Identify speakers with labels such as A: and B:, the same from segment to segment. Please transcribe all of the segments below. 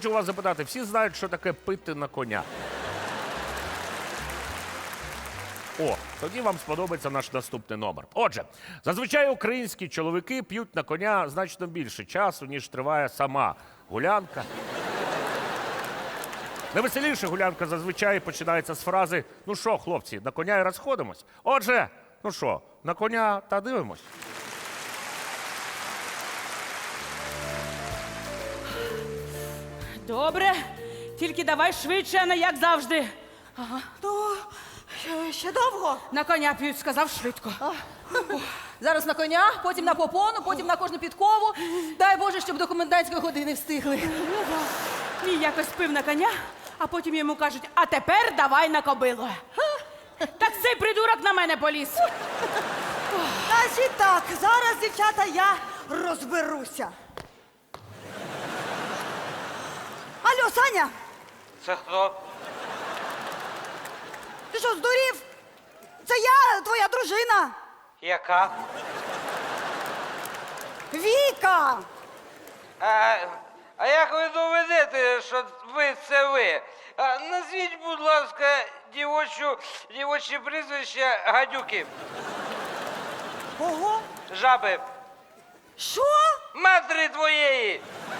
A: хочу вас запитати, всі знають, що таке пити на коня? О, тоді вам сподобається наш наступний номер. Отже, зазвичай українські чоловіки п'ють на коня значно більше часу, ніж триває сама гулянка. Найвеселіша гулянка зазвичай починається з фрази «Ну що, хлопці, на коня і розходимось?» Отже, ну що, на коня та дивимось.
B: Добре, тільки давай швидше, а не як завжди.
C: Ну, ще довго.
B: На коня п'ють, сказав швидко.
C: Зараз на коня, потім на попону, потім на кожну підкову. Дай Боже, щоб до комендантської години встигли.
B: Мій якось пив на коня, а потім йому кажуть, а тепер давай на кобилу. Так цей придурок на мене поліз.
D: Значить так, зараз, дівчата, я розберуся. Алло, Саня,
E: Це хто?
D: ти що, здурів? Це я, твоя дружина.
E: Яка?
D: Віка.
E: А як ви доведете, що ви це ви? Назвіть, будь ласка, дівоче прізвище гадюки.
D: Ого.
E: Жаби.
D: Що?
E: Матері твоєї.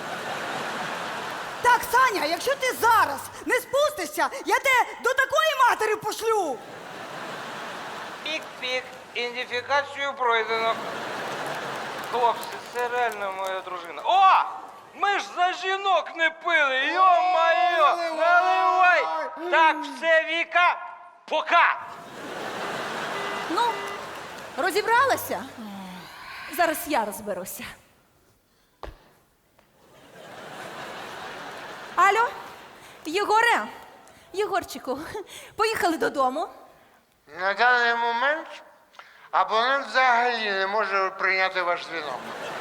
D: Так, Саня, якщо ти зараз не спустишся, я тебе до такої матері пошлю.
E: Пік-пік. Ідентифікацію пройдено. Хлопці, це реально моя дружина. О! Ми ж за жінок не пили! Йо-майо! Наливай! Так, все, Віка, пока!
C: Ну, розібралася? Зараз я розберуся. Алло, Єгоре, Єгорчику, поїхали додому.
F: На даний момент абонент взагалі не може прийняти ваш дзвінок.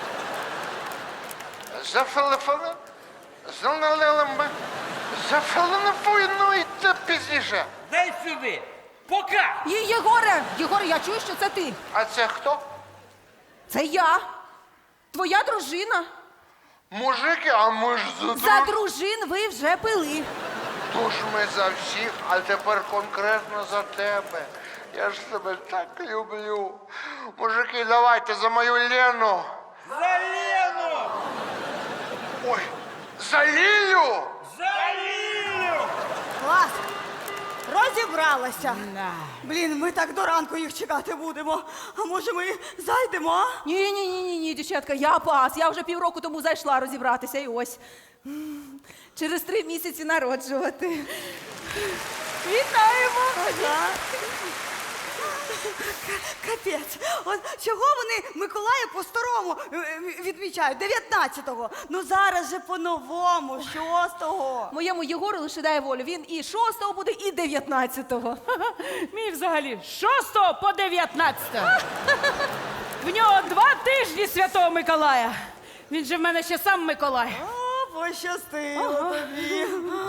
F: Зателефонуйте пізніше.
E: Дай сюди! Пока!
C: Єгоре, я чую, що це ти.
F: А це хто?
C: Це я. Твоя дружина.
F: Мужики, а ми ж
C: За дружин ви вже пили.
F: Тож ми за всіх, а тепер конкретно за тебе. Я ж тебе так люблю. Мужики, давайте за мою Лену.
E: За Лену!
F: Ой, за Лілю!
E: За Лілю!
D: Клас. Розібралася. Блін, ми так до ранку їх чекати будемо. А може ми зайдемо, а?
C: Ні, дівчатка, я пас. Я вже півроку тому зайшла розібратися і ось. Через 3 місяці народжувати. Вітаємо!
D: Капець. От чого вони Миколая по-старому відмічають? 19-го. Ну зараз же по-новому, 6-го.
C: Моєму Єгору лише дай волю. Він і 6-го буде, і 19-го.
B: Мій взагалі з 6 по 19. В нього 2 тижні Святого Миколая. Він же в мене ще сам Миколай.
D: О, пощастило тобі.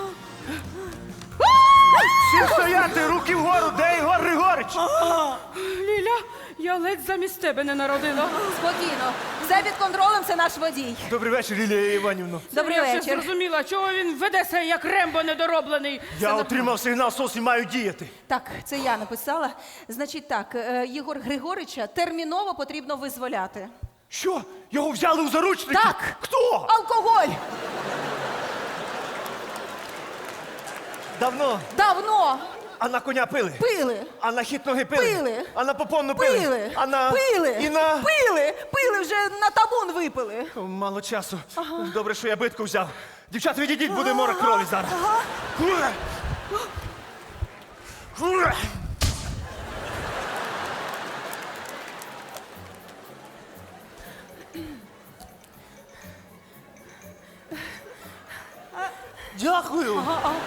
A: Всі стояти, руки вгору, де Ігор Григорич?
B: Ліля, я ледь замість тебе не народила.
C: Спокійно. Все під контролем, це наш водій.
G: Добрий вечір, Лілія Іванівна.
C: Добрий
B: Я вже
C: вечір.
B: зрозуміла, чого він веде себе як Рембо недороблений.
G: Я отримав сигнал СОС і маю діяти.
C: Так, це я написала. Значить так, Єгор Григорича терміново потрібно визволяти.
G: Що? Його взяли у заручники?
C: Так.
G: Хто?
C: Алкоголь!
G: Давно.
C: Давно
G: А на коня пили?
C: пили.
G: А на хід ноги пили?
C: Пили.
G: А на попонну пили?
C: Пили.
G: А на...
C: Пили.
G: І на...
C: Пили, вже на табун випили.
G: О, мало часу. Добре, що я битку взяв. Дівчата, відійдіть, буде море крові зараз. Дякую.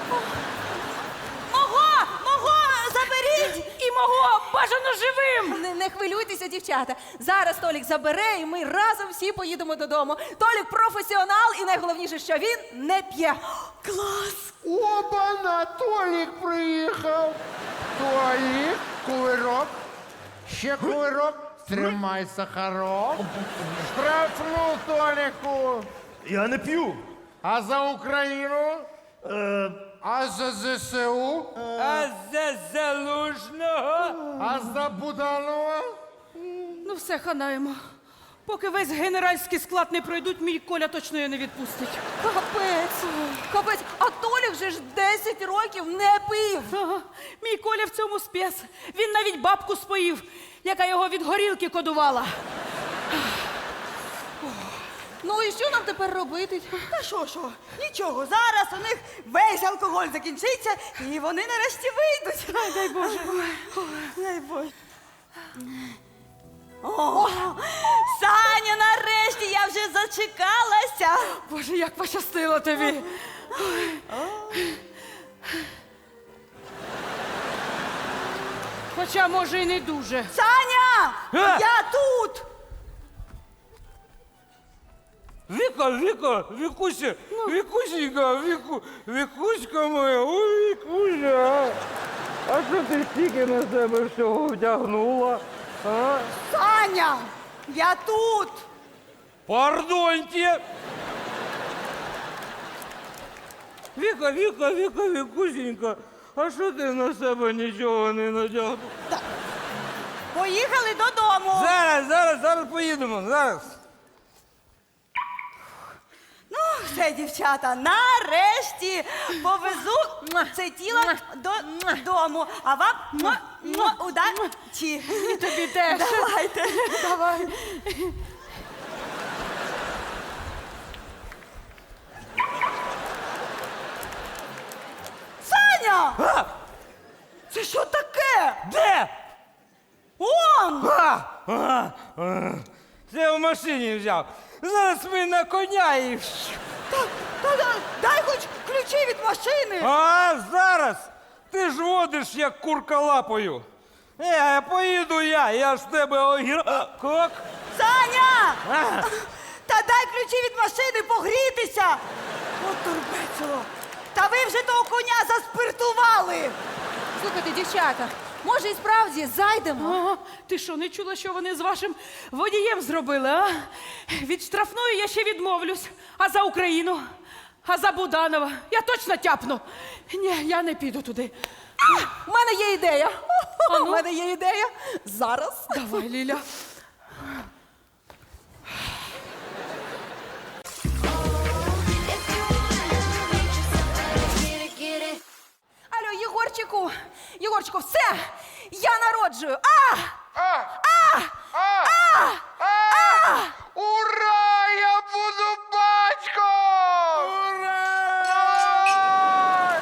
C: Мого, заберіть!
B: І мого бажано живим!
C: Не хвилюйтеся, дівчата. Зараз Толік забере, і ми разом всі поїдемо додому. Толік професіонал, і найголовніше, що він не п'є.
D: Клас!
F: Оба, Толік приїхав. Толік, кувирок. Ще кувирок. Тримай сахарок. Штрафну, Толіку.
G: Я не п'ю.
F: А за Україну? А за ЗСУ?
E: А за Залужного?
F: А за Буданова?
B: Ну все, ханаємо. Поки весь генеральський склад не пройдуть, мій Коля точно її не відпустить.
C: Капець. Капець. А Толік же ж 10 років не пив.
B: Ага, мій Коля в цьому спец. Він навіть бабку споїв, яка його від горілки кодувала.
C: Ну і що нам тепер робити?
D: Та що? Нічого, зараз у них весь алкоголь закінчиться, і вони нарешті вийдуть. Ай, дай Боже. Дай Боже. О, Саня, нарешті я вже зачекалася.
B: Боже, як пощастило тобі. Хоча, може, і не дуже.
D: Саня, я тут.
E: Вікуся, Вікусенька, Вікуська моя, ой, Вікуся. А що ти стільки на себе всього вдягнула? А?
D: Саня, я тут.
E: Пардоньте. Вікусенька, а що ти на себе нічого не надягнула?
D: Поїхали додому.
E: Зараз поїдемо, зараз.
D: Ну, все, дівчата, нарешті повезу це тіло додому. А вам удачі.
B: І тобі теж.
D: Давайте.
B: Давай.
D: Саня! Це що таке?
E: Де?
D: Он!
E: Це в машині взяв. Зараз ми на коня і...
D: Дай хоч ключі від машини.
E: А зараз ти ж водиш, як курка лапою. Поїду я ж в тебе огірок.
D: Саня! Та дай ключі від машини погрітися. От турбецело. Та ви вже того коня заспиртували.
C: Слухайте, дівчата, може і справді зайдемо?
B: Ага. Ти що, не чула, що вони з вашим водієм зробили, а? Від штрафної я ще відмовлюсь. А за Україну? А за Буданова? Я точно тяпну. Ні, я не піду туди.
C: У мене є ідея.
B: А ну?
C: У мене є ідея. Зараз.
B: Давай, Ліля.
C: Алло, Єгорчику, все! Я народжую!
F: Ура! Я буду батьком! Ура!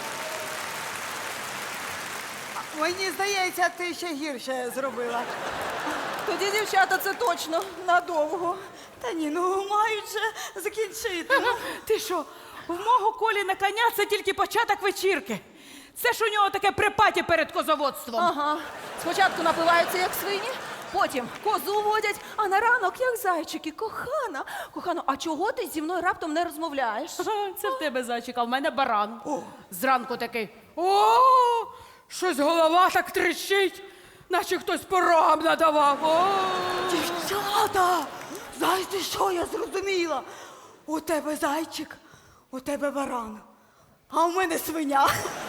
D: Мені здається, ти ще гірше зробила.
C: Тоді, дівчата, це точно надовго.
D: Та ні, ну мають же закінчити. Ну.
B: Ти що, в мого Колі на коня це тільки початок вечірки. Це ж у нього таке припаті перед козоводством.
C: Ага. Спочатку напиваються, як свині, потім козу водять, а на ранок, як зайчики. Кохано, а чого ти зі мною раптом не розмовляєш?
B: Це в тебе зайчик, а в мене баран. Зранку такий. О, щось голова так трещить, наче хтось по рогам надавав. О!
D: Дівчата! Знаєте, що я зрозуміла? У тебе зайчик, у тебе баран, а у мене свиня.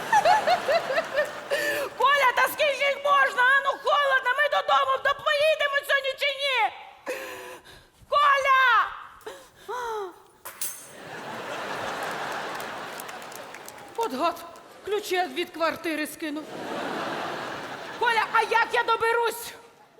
B: Коля, та скільки їх можна? А ну холодно, ми додому поїдемо сьогодні чи ні? Коля! От гад, ключі від квартири скинув. Коля, а як я доберусь?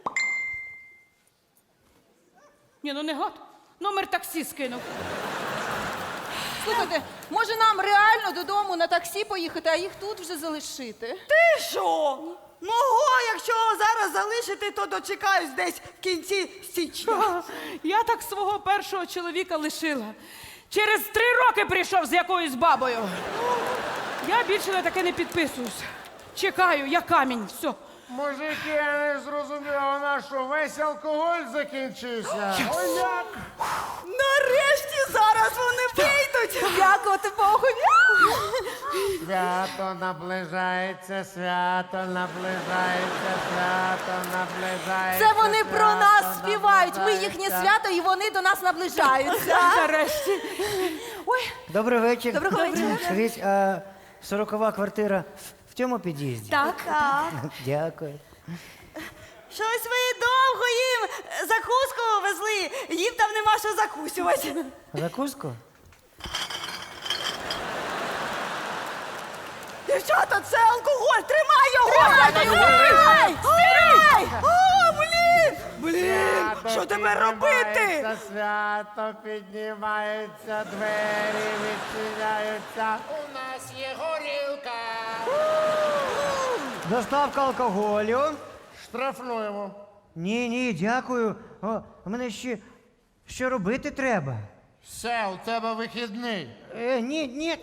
B: Ні, ну не гад. Номер таксі скинув.
C: Слухайте, може нам реально додому на таксі поїхати, а їх тут вже залишити?
D: Ти що? Мого, якщо зараз залишити, то дочекаюсь десь в кінці січня.
B: Я так свого першого чоловіка лишила. Через 3 роки прийшов з якоюсь бабою. Я більше на таке не підписуюсь. Чекаю, я камінь, все.
F: Мужики, я не зрозумів, у нас що, весь алкоголь закінчився? Ой, як?
D: Нарешті зараз вони вийдуть.
C: Дякувати Богу.
F: Свято наближається, свято наближається, свято наближається.
C: Це вони про нас
F: свято
C: співають. Ми
F: наближається.
C: їхнє свято, і вони до нас наближаються.
B: Нарешті.
C: Ой,
H: Добрий вечір.
C: Доброго вечора.
H: Скажіть, а 40-ва квартира в цьому під'їзді?
C: так.
H: Дякую.
D: Щось ви довго їм закуску везли. Їм там нема що закусювати.
H: Закуску?
D: Дівчата, це алкоголь! Тримай його! Тримай! Тримай! О, блін! Блін! Що тепер робити?
F: Свято піднімається, двері відчиняються. У нас є горілка.
H: Доставка алкоголю?
F: Штрафнуємо.
H: Ні, дякую. У мене ще робити треба.
F: Все, у тебе вихідний.
H: Ні.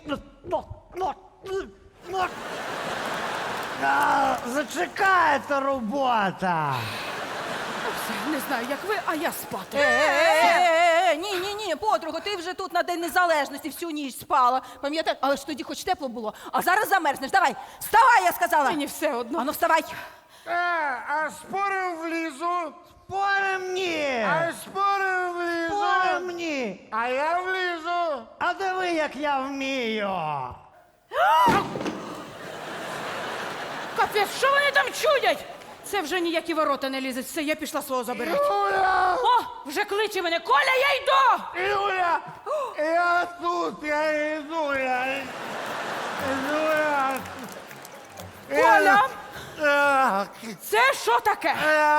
H: Зачекайте робота.
B: Не знаю, як ви, а я спати.
C: Ні, подруга, ти вже тут на День Незалежності всю ніч спала. Пам'ятаєш? Але ж тоді хоч тепло було. А зараз замерзнеш. Давай, вставай, я сказала.
B: Мені все одно.
C: Ану, вставай.
F: А спорим влізу.
H: Спорим ні.
F: Спорим влізу.
H: Спорим ні.
F: А я влізу.
H: А диви, як я вмію.
B: Капець, що вони там чудять? Це вже ніякі ворота не лізуть. Все, я пішла свого забирати.
F: Юля!
B: О, вже кличе мене. Коля, я йду!
F: Юля! Я тут, я йду, я йду.
B: Коля!
F: Так,
B: Це що таке?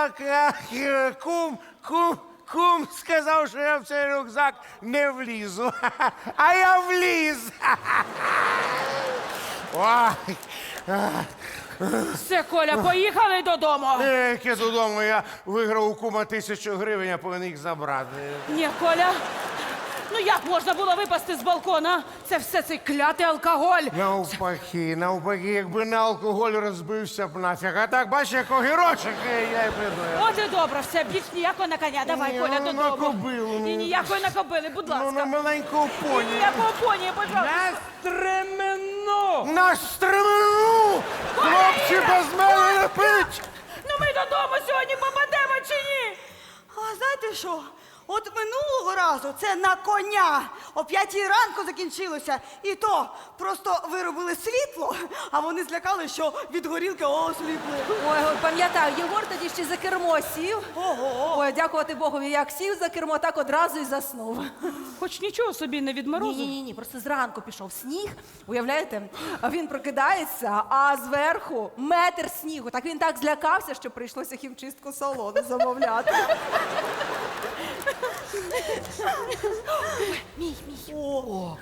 F: Кум сказав, що я в цей рюкзак не влізу. А я вліз. Ой.
B: Все, Коля, поїхали додому.
F: Яке додому, я виграв у кума 1000 гривень, я повинен їх забрати.
B: Ні, Коля. Ну як можна було випасти з балкона? Це все цей клятий алкоголь.
F: Навпаки, якби не алкоголь, розбився б нафіг. А так, бачиш, як огірочок, я й придаю.
B: От і добре, все, більш ніякого на коня. Давай,
F: Ні,
B: Коля,
F: ну,
B: додому.
F: на кобилу, ну.
B: Ні, ніякої на кобили, будь
F: Ну, на
B: ласка.
F: маленького поні.
B: Ніякого поні, пожалуйста.
F: На стремену! Хлопці, без мене не пить!
B: Ну ми додому сьогодні попадемо чи ні?
D: А знаєте що? От минулого разу це на коня о 5 ранку закінчилося. І то просто виробили світло, а вони злякали, що від горілки осліпли.
C: Ой, пам'ятаю, Єгор тоді ще за кермо сів.
D: Ого!
C: Ой, дякувати Богові, як сів за кермо, так одразу і заснув.
B: Хоч нічого собі не відморозив.
C: Ні, просто зранку пішов сніг, уявляєте? А він прокидається, а зверху метр снігу. Так він так злякався, що прийшлося хімчистку салону замовляти. Мій. О.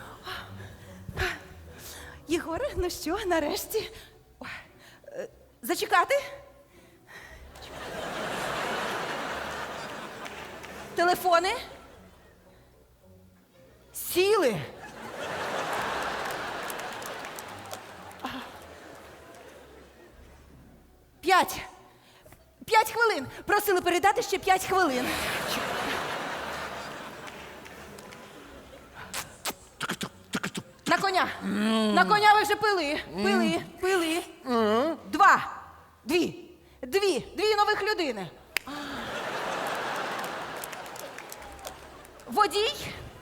C: Єгоре, ну що, нарешті? Ой, зачекати? Телефони? Сіли? П'ять. 5 хвилин. Просили передати ще 5 хвилин. На коня. На коня ви вже пили. Пили. Дві нових людини. Водій.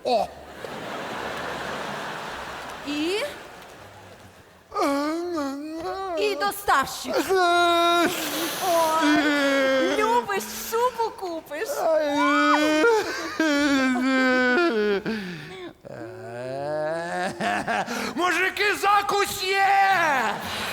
C: І доставщик. О, любиш, шубу купиш.
F: Мужики, закусь є!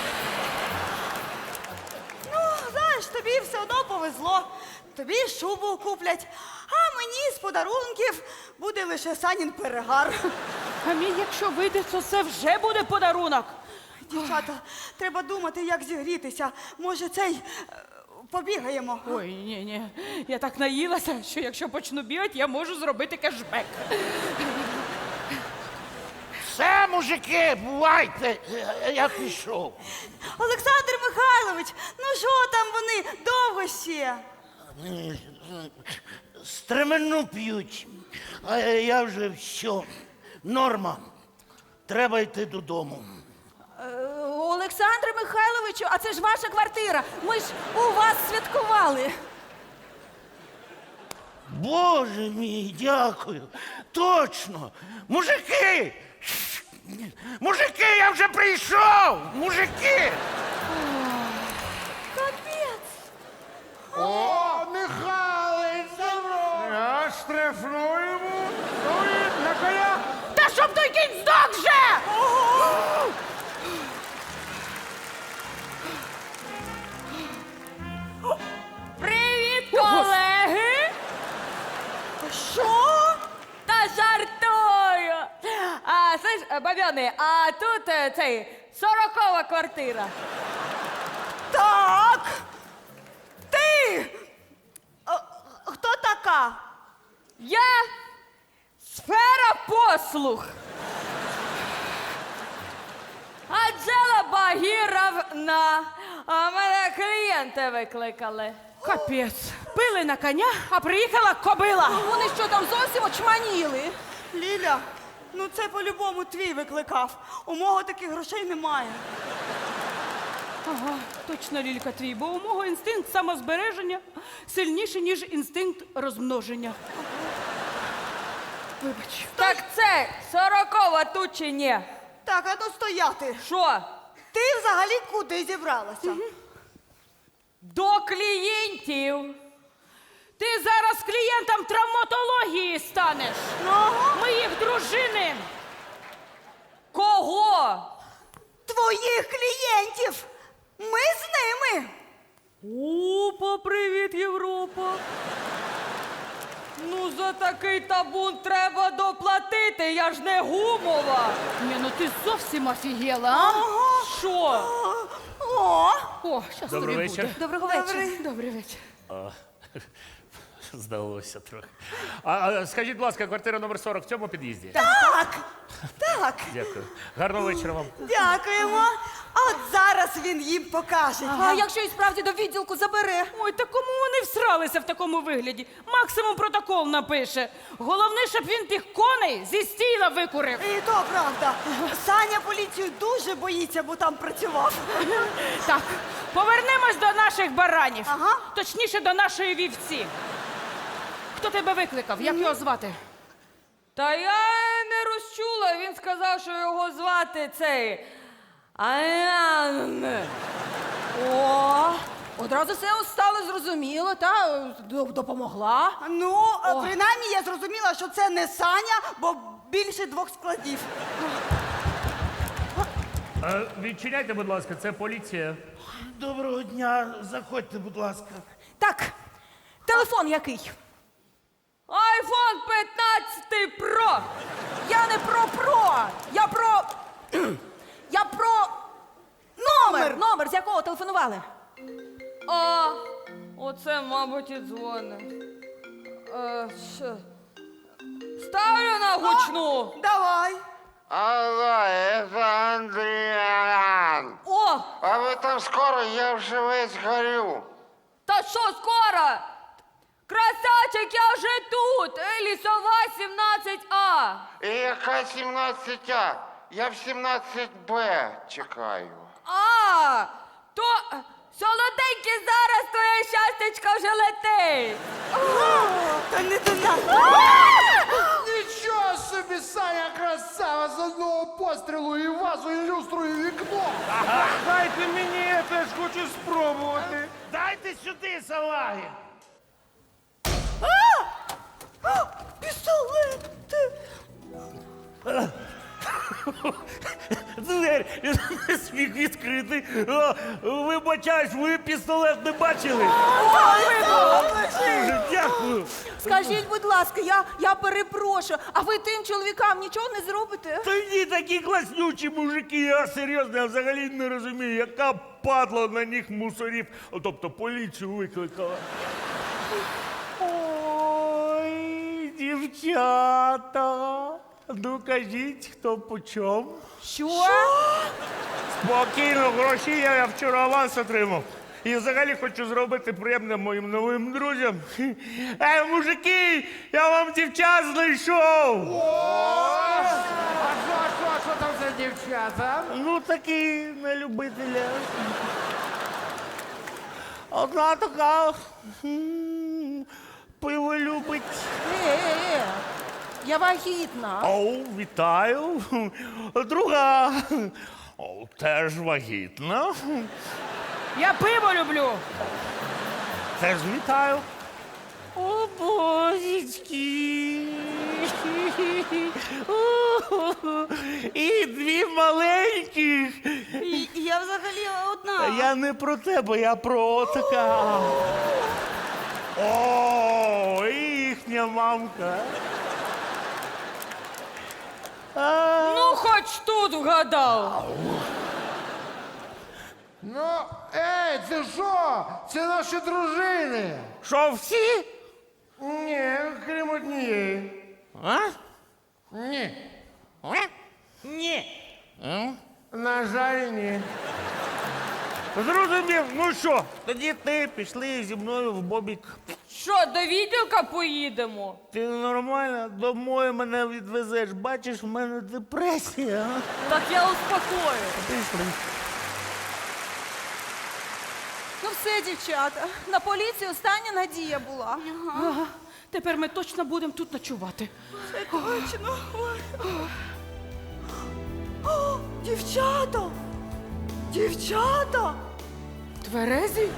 D: Ну, знаєш, тобі все одно повезло. Тобі шубу куплять, а мені з подарунків буде лише Санін перегар.
B: А мій, якщо вийде, то це вже буде подарунок.
D: Дівчата, треба думати, як зігрітися. Може, побігаємо.
B: Ой, ні. Я так наїлася, що якщо почну бігати, я можу зробити кешбек.
F: Все, мужики, бувайте, я пішов.
D: Олександр Михайлович, ну що там вони? Довго ще?
I: Стремену п'ють, а я вже все. Норма. Треба йти додому.
C: Олександре Михайловичу, а це ж ваша квартира. Ми ж у вас святкували.
I: Боже мій, дякую. Точно. Мужики! Мужики, я вже прийшов! Мужики!
F: О, Михайлович, здорово! Я штрафнуємо. На коня.
B: Та щоб той кінь здох вже! Привіт, колеги!
C: Що?
B: Та жартую! Слышь, бабьони, а тут цей 40-ва квартира.
D: Так. Ти! Хто така?
B: Я сфера послуг. Анжела Багіровна. А мене клієнти викликали. Капець. Пили на коня, а приїхала кобила.
C: Вони що там зовсім очманіли?
D: Ліля, ну це по-любому твій викликав. У мого таких грошей немає.
B: Ага, точно, Лілька, твій, бо у мого інстинкт самозбереження сильніший, ніж інстинкт розмноження. Вибач. Так це 40-ва тут чи ні?
D: Так, а ну стояти.
B: Що?
D: Ти взагалі куди зібралася?
B: До клієнтів. Ти зараз клієнтом травматології станеш. Моїх дружини. Кого?
D: Твоїх клієнтів! Ми з ними!
B: Опа, привіт, Європа. Ну, за такий табун треба доплатити, я ж не гумова. Ні, ну ти зовсім офігела, а? Що? О, щас тобі
A: Добрий
B: буде.
A: вечір.
C: Доброго вечора.
B: Добрий вечір.
A: Здалося трохи. А скажіть, будь ласка, квартира номер 40 в цьому під'їзді?
D: Так, так,
A: Дякую. Гарного вечора вам.
D: дякуємо. А от зараз він їм покаже.
C: А якщо і справді до відділку забере?
B: Ой, та кому вони всралися в такому вигляді? Максимум протокол напише. Головне, щоб він тих коней зі стіла викурив.
D: І то правда. Саня поліцію дуже боїться, бо там працював.
B: Так, повернемось до наших баранів.
D: Ага.
B: Точніше, до нашої вівці. Хто тебе викликав? Як його звати? Та я не розчула. Він сказав, що його звати цей. Аян.
C: О, одразу все стало зрозуміло, та допомогла.
D: Ну, принаймні я зрозуміла, що це не Саня, бо більше 2 складів.
A: Відчиняйте, будь ласка, це поліція.
I: Доброго дня, заходьте, будь ласка.
C: Так, телефон який?
B: Айфон 15 Pro.
C: Я не про. Я про номер, з якого телефонували.
B: А, оце, мабуть, і дзвони. Що? Ставлю на гучну.
D: Давай.
F: Алло, это Андріан.
B: О,
F: А ви там скоро, я вже весь горю.
B: та що скоро? Красавчик, я вже тут. Лісова 17А.
F: І яка 17А? Я в 17Б чекаю.
B: А, то солоденький зараз твоє щастечко вже летить.
D: Та не до нас.
F: Нічого собі, Саня красава, з одного пострілу і вазу, і люстру, і вікно.
G: Дайте мені, я теж хочу спробувати.
I: Дайте сюди, салаги.
D: Пістолет.
A: Двері не сміх відкрити. Вибачаюсь, ви пістолет не бачили? Дуже дякую.
C: Скажіть, будь ласка, я перепрошую, а ви тим чоловікам нічого не зробите?
A: Та ні, такі класнючі мужики, я серйозно, я взагалі не розумію, яка падла на них мусорів, тобто поліцію викликала. Ой, дівчата, ну кажіть, хто по чому?
C: Що?
A: Спокійно, гроші я вчора аванс отримав. І взагалі хочу зробити приємне моїм новим друзям. Мужики, я вам дівчат знайшов!
F: Що там за дівчата?
A: Ну, такі на любителя. Одна така пиво любить.
C: Я вагітна.
A: Оу, вітаю. Друга теж вагітна.
B: Я пиво люблю.
A: Теж вітаю. О, божечки. І дві маленьких.
D: Я взагалі одна.
A: Я не про тебе, я про така. О, і їхня мамка.
B: Ну, хоч тут вгадав.
F: Ну, це що? Це наші дружини.
A: Що, всі?
F: Ні, крім однієї.
A: А?
F: Ні.
A: Ні.
F: На жаль, ні.
A: Зрозумів, ну що, тоді ти пішли зі мною в бобік.
B: Що, до відділка поїдемо?
A: Ти нормально домой мене відвезеш. Бачиш, в мене депресія. а?
B: Так я успокою.
A: Пішли.
C: Ну все, дівчата, на поліцію остання надія була.
B: Ага. Тепер ми точно будемо тут ночувати.
D: Точно. Ой. О, дівчата! Дівчата!
B: Тверезі?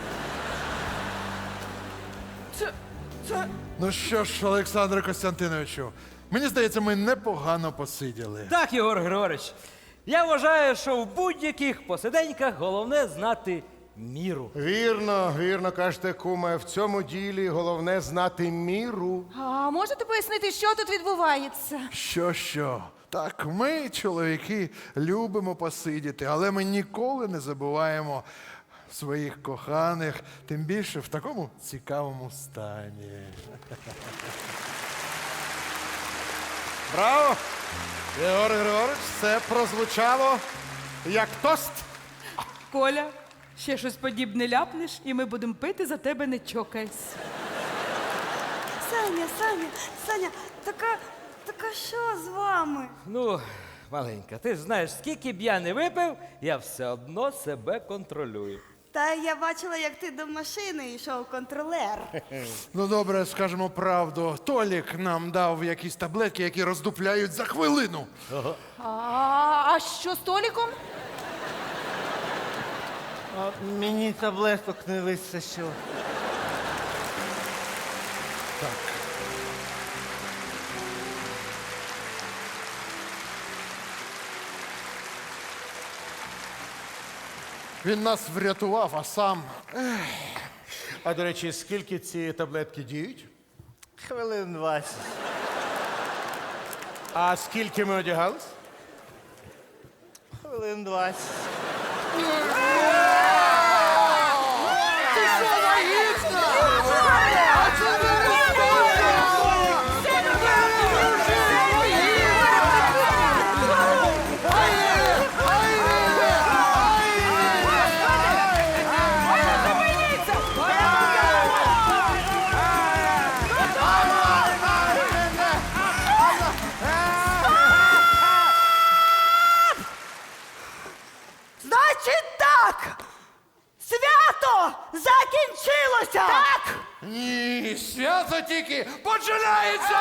B: Це...
J: Ну що ж, Олександре Костянтиновичу, мені здається, ми непогано посиділи.
K: Так, Єгор Григорович. Я вважаю, що в будь-яких посиденьках головне знати міру.
F: Вірно, вірно кажете, куме, в цьому ділі головне знати міру.
C: А можете пояснити, що тут відбувається?
J: Що? Так, ми, чоловіки, любимо посидіти, але ми ніколи не забуваємо своїх коханих, тим більше в такому цікавому стані.
F: Браво! Єгор Григорович, це прозвучало як тост.
B: Коля, ще щось подібне ляпнеш, і ми будемо пити за тебе, не чокайся.
D: Саня, така що з вами?
K: Ну, маленька, ти ж знаєш, скільки б я не випив, я все одно себе контролюю.
D: Та я бачила, як ти до машини йшов контролер.
J: Ну добре, скажемо правду. Толік нам дав якісь таблетки, які роздупляють за хвилину.
C: А що з Толіком?
I: Мені таблеток не вистачило.
J: Він нас врятував, а сам.
F: А до речі, скільки ці таблетки діють?
I: Хвилин 20.
F: А скільки ми одягались?
I: Хвилин 20.
D: Значить так! Свято закінчилося! Так!
J: Ні, свято тільки починається!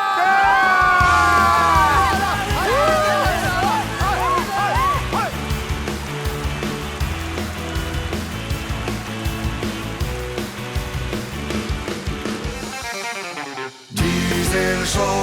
L: Diesel Show.